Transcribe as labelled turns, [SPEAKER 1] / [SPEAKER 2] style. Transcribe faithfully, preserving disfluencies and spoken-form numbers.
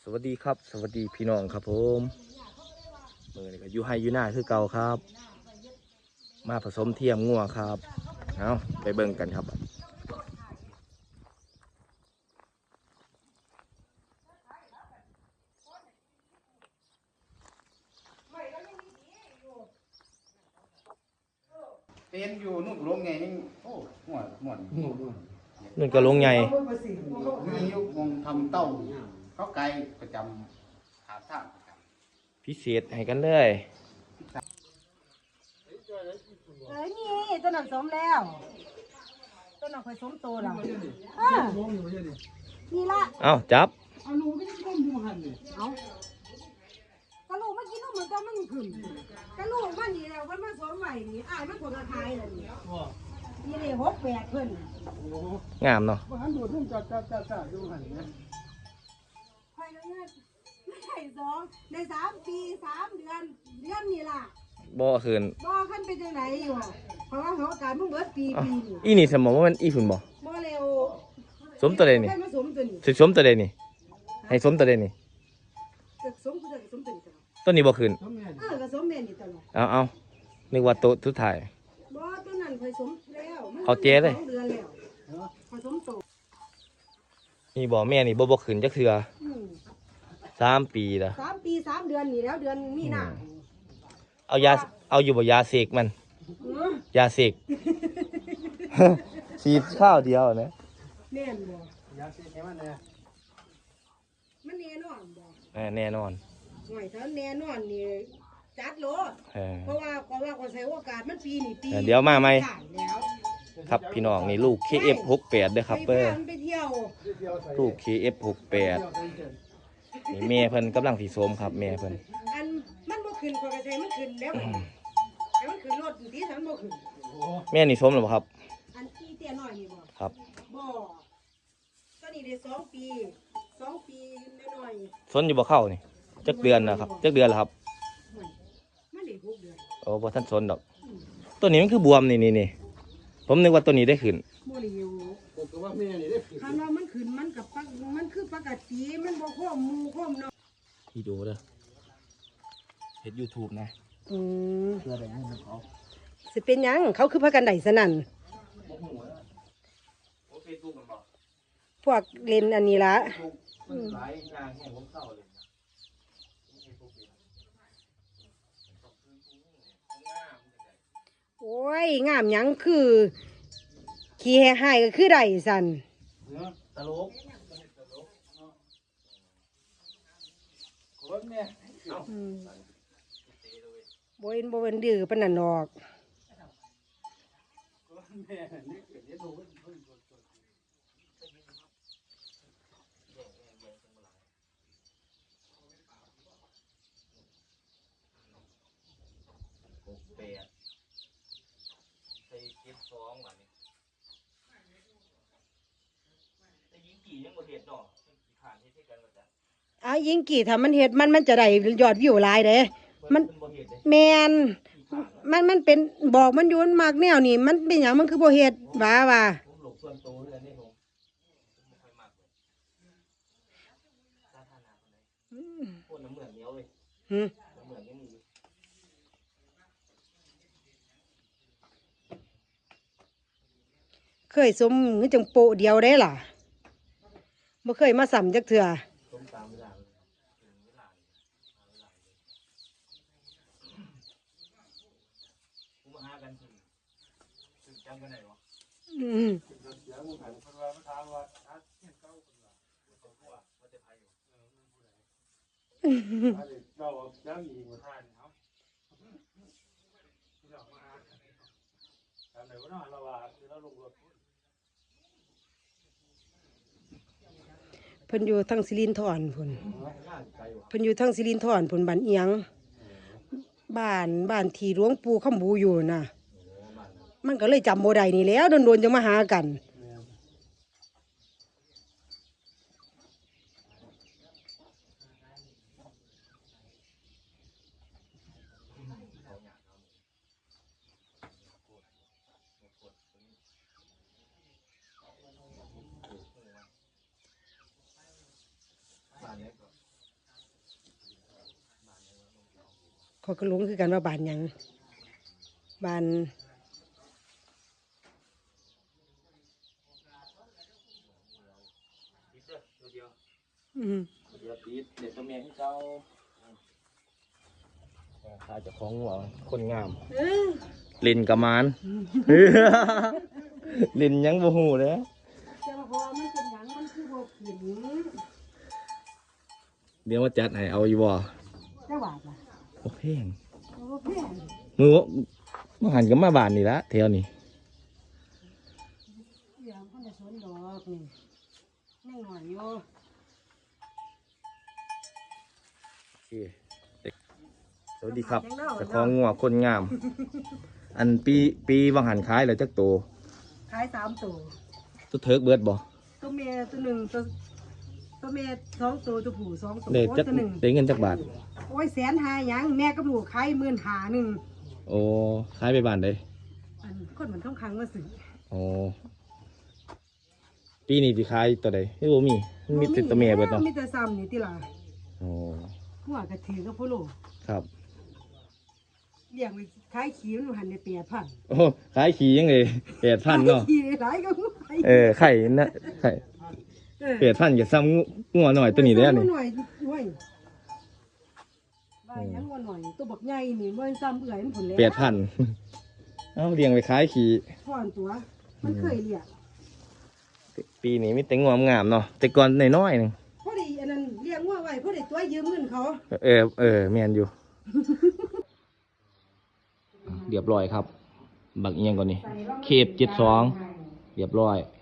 [SPEAKER 1] สวัสดีครับสวัสดีพี่น้องครับผมเมื่อนี้ก็อยู่ให้อยู่หน้าคือเก่าครับมาผสมเทียมงัวครับเอาไปเบิ่งกันครับ
[SPEAKER 2] เป็นอยู่นุ่นลงไงยังโอ้หัวหมอน
[SPEAKER 1] นั่นก็ลงใหญ่
[SPEAKER 2] มียุคมองทำเต้าเขาไกลประจำขาท่าประจำ
[SPEAKER 1] พิเศษให้กันเลย
[SPEAKER 3] เอ้ยนี่ต้นนั้นสมแล้วต้นนั้นเคยสมโตแล้วเออนี่ละ
[SPEAKER 1] เอาจับ
[SPEAKER 3] เอาลูกไม่ได้ก้มดูหันเลยเอากระลูกเมื่อกี้ลูกเหมือนกันมันขึ้นกระลูกมันนี่แล้วมันมาสมใหม่นี่อ้ายมันผลกระทายเลยนี่นี่เลยหกแปดเพิ่น
[SPEAKER 1] งามเนาะ
[SPEAKER 3] หันดูทุ่งจัดจัดจัดจัดดูหันเนี่ยคอยแล้วเนี่ยไม่ใช่สองในสามปีสามเดือนเดือนนี่ล่ะ
[SPEAKER 1] บ่คืน
[SPEAKER 3] บ่ขั้นเป็นจังไหนอยู่เพราะว่าเขาการมึงเบิดปีปีนี่
[SPEAKER 1] อีนี่สมองว่ามันอีฝุ่นบ่
[SPEAKER 3] บ่เร็ว
[SPEAKER 1] สมตัวใดนี่
[SPEAKER 3] ให้มาสมตัวนี้
[SPEAKER 1] สิสมตัวใดนี่ให้สมตัวใดนี่
[SPEAKER 3] ตึกสมคือตึกสมตัวนี้ตลอด
[SPEAKER 1] ต้นนี้บ่คืน
[SPEAKER 3] เออก็สมแม่นนี่ตลอด
[SPEAKER 1] เอาเอานึกว่าโตะทุดท้าย
[SPEAKER 3] บ่ตัวนั้นเคยสมแล้วมัน
[SPEAKER 1] เอาเจ๊เลย
[SPEAKER 3] สองเดือนแล้วผสมโต
[SPEAKER 1] นี่บ่แม่นี่บ่บ่คืนจักเทื่อ
[SPEAKER 3] อืม
[SPEAKER 1] สามปีละ
[SPEAKER 3] สามปีสามเดือนนี่แล้วเดือนมีนา
[SPEAKER 1] เอายาเอาอยู่บ่ยาเสกมัน
[SPEAKER 3] เออย
[SPEAKER 1] าเสก ฉีดข้าวเดียวนะ
[SPEAKER 3] แน่นบ่
[SPEAKER 2] ยาสีแค่มันเนี่ย
[SPEAKER 3] มันแน่นอนบ่
[SPEAKER 1] เออแน่นอน
[SPEAKER 3] ห่วยถ้าแน่นอนนี่จัดโลด
[SPEAKER 1] เออ
[SPEAKER 3] เพราะว่าเพราะว่าก็ใช้โอกาสมันปีนี่ปี
[SPEAKER 1] เดี๋ยวมาไหม
[SPEAKER 3] ผ่านแล้ว
[SPEAKER 1] ครับพี่น้องนี่ลูก เค เอฟ หกแปดเด้อครับ
[SPEAKER 3] ไป
[SPEAKER 1] เปิ้ล
[SPEAKER 3] พามันไปเที่ยว
[SPEAKER 1] ลูก เค เอฟ หกแปดนี่แม่เพิ่นกำลังสิโสมครับแม่เพิ่น
[SPEAKER 3] อันมันบ่ขึ้นข้อยก็ใช้มันขึ้นแล้วให้มันขึ้นรถที่ฉันบ่ขึ้น
[SPEAKER 1] แม่นี่โสมหรือเปล่าครับ
[SPEAKER 3] อันที่เตี้ยน้อยนี่บ่
[SPEAKER 1] ครับ
[SPEAKER 3] บ่ตอนนี้ได้สองปีสองปีน้อย
[SPEAKER 1] สนอยู่บ่เข้านี่จักเดือนนะครับจักเดือนแล้วครับ
[SPEAKER 3] ๆมันได้หกเดือน
[SPEAKER 1] โอ้บ่ทันสนดอกตัวนี้มันคือบวมนี่นี่นี่ผมนึกว่าตัวนี้ได้ขึ้น
[SPEAKER 3] บ่ได้อยู่
[SPEAKER 2] ผมก็ว่าแม่นี่ได้ผิด
[SPEAKER 3] คันว่ามันขึ้นมันกับปักมันคือปกติมันบ่ข้อมหมู่ข้อมน้อย
[SPEAKER 1] ที่ดูเด้อเฮ็ด YouTube นะ
[SPEAKER 3] อืม
[SPEAKER 2] เพื่ออะไรให้เขา
[SPEAKER 3] สิเป็นหยังเขาคือพากันได้สนั่น
[SPEAKER 1] บ่ฮู้นะโอ้ Facebook มันบ่
[SPEAKER 3] พวกเล่นอันนี้ละ
[SPEAKER 1] มันหลายอย่างแห่งผมเข้าเลยนะ
[SPEAKER 3] โอ้ยงามหยังคือขี้แห่ๆก็คือได้สั่น
[SPEAKER 2] เนื้อ
[SPEAKER 1] ตลก
[SPEAKER 2] คนเนี่ย
[SPEAKER 3] อืมบ่เห็นบ่เป็นดื้อปานนั้นดอก
[SPEAKER 2] คนแม่นี่เกิดเนี่ยดูว่าเพิ่น
[SPEAKER 1] หกแปดใส่เจ็ดสองบัดนี้แต่ยิงกี่ยังบ่เฮ็ดดอกขี้ขานเฮ็ดให้กันว่าจ้ะ
[SPEAKER 3] อ้าวยิงกี่ถ้ามันเฮ็ดมันมันจะได้ยอดวิวหลายเด้มัน
[SPEAKER 1] เพิ่นบ่เฮ็ดเด้
[SPEAKER 3] แมนมันมันเป็นบอกมันอยู่มันมากแนวนี่มันเป็นหยังมันคือบ่เฮ็ดว่าว่า
[SPEAKER 1] ผมหลบส่วนตัวเรื่องนี้ผมผมบ่ค่อยมักเลยสาธารณะคนไหนโคตรน้ำเหมือนเหนียวเลย
[SPEAKER 3] หืม
[SPEAKER 1] น้ำเหมือนยังมีอยู่
[SPEAKER 3] เคยสมคือจังโปะเดียวได้ล่ะบ่เคยมาซ้ำจักเทื่อ
[SPEAKER 1] ต้มตามเวลาเลยถึงเวลาเลยหาเวลาเลยผมมาหากันถึงถึงจำกันได้บ่
[SPEAKER 3] อืม
[SPEAKER 2] เดี๋ยวมึงหันคนว่ามาถามว่าอาเที่ยงเก้าคนว่า
[SPEAKER 1] ว่าว่าจะไปอยู่
[SPEAKER 2] อาเด็กเก้าย่างอีกหัวท่านเขาที่เรามาหาทำไหนวะเนาะเราว่าคือเราลงรถ
[SPEAKER 3] เพิ่นอยู่ทางสิรินธรพุ่น
[SPEAKER 1] ง่ายไปว่ะ
[SPEAKER 3] เพิ่นอยู่ทางสิรินธรพุ่นบ้านเอียงบ้านบ้านที่หลวงปู่คำบูอยู่น่ะ มันก็เลยจำบ่ได้นี่แหล้วโดนๆจะมาหากันขอยก็หลงคือกันว่าบ้านหยังบ้านอืม
[SPEAKER 1] เดี๋ยวปีดเดี๋ยวตัวเมียที่เจ้าขายจากของหัวคนงาม
[SPEAKER 3] เออ
[SPEAKER 1] ลินกระมาน ลินยังบ่หูเลย
[SPEAKER 3] แต่ว่าพอมันเป็นหยังมันคือบ่ขึ้น
[SPEAKER 1] เดี๋ยวมาจัดให้เอาอยู่บ่
[SPEAKER 3] จังหวัดล่ะ
[SPEAKER 1] โอเคง
[SPEAKER 3] บ่แพง
[SPEAKER 1] มือวะมาหันกับมาบานนี่ละแถวนี้
[SPEAKER 3] เดี๋ยวมันจะสวนดอกนี่ยังหน่อยอยู่
[SPEAKER 1] โอเคสวัสดีครับเจะคล้าของงัวคนงาม อันปีปีวังหันขายแล้วจักโต
[SPEAKER 3] ขายสามตัว
[SPEAKER 1] ตัวเทิกเบิดบ่
[SPEAKER 3] ตัวเมียตัวหนึ่งตัวตัวเมียสองตัวตัวผู้สองตัว
[SPEAKER 1] ได้
[SPEAKER 3] โอ้ย
[SPEAKER 1] จัก
[SPEAKER 3] ตัวหนึ่ง
[SPEAKER 1] ได้เงินจักบาท
[SPEAKER 3] โอ้ยแสนหาหยังแม่กับลูกขายหมื่นหาหนึ่ง
[SPEAKER 1] โอ้ขายไปบ้านได้
[SPEAKER 3] อันคนเหมือนต้องคังว่าสิ
[SPEAKER 1] โอ้ปีนี้สิขายตัวใดเฮ้ยบ่มีมันมีแต่ตัวเมียเบิดเนาะ
[SPEAKER 3] มีแต่ซ้ำนี่ติล่ะ
[SPEAKER 1] โอ้
[SPEAKER 3] หัวกระถือกับพ่อโลก
[SPEAKER 1] ครับ
[SPEAKER 3] เลี้ยงไว้ขายขี้มันหันในเปียพัน
[SPEAKER 1] โอ้ขายขี่ยังเลยแปดพันเนาะ
[SPEAKER 3] ขี้หลายก็หัว
[SPEAKER 1] เออไข่นะไข่
[SPEAKER 3] เออ
[SPEAKER 1] แปดพันอย่าซ้ำงูงัวหน่อยตัวนี้ได้อนี่
[SPEAKER 3] หน่อยหน่อยว่าหยังว่าหน่อยตัวบักใหญ่นี่มันซ้ำเอื่อยมันผลแล้ว
[SPEAKER 1] แปดพันเอาเลี้ยงไปขายขี่
[SPEAKER 3] พ่อนตัว มันเคยเลี้ยง
[SPEAKER 1] ปีนี้มีแต่งวงามๆเนาะแต่ก่อนน้อยๆหนึง
[SPEAKER 3] พอดีอันนั้นเลี้ยงว่าไว้พอดีตัวยืมเงินเขา
[SPEAKER 1] เออเออแมนอยู่ เรียบร้อยครับ บักเอียงก่อนนี่เคปเจ็ดสองเรียบร้อย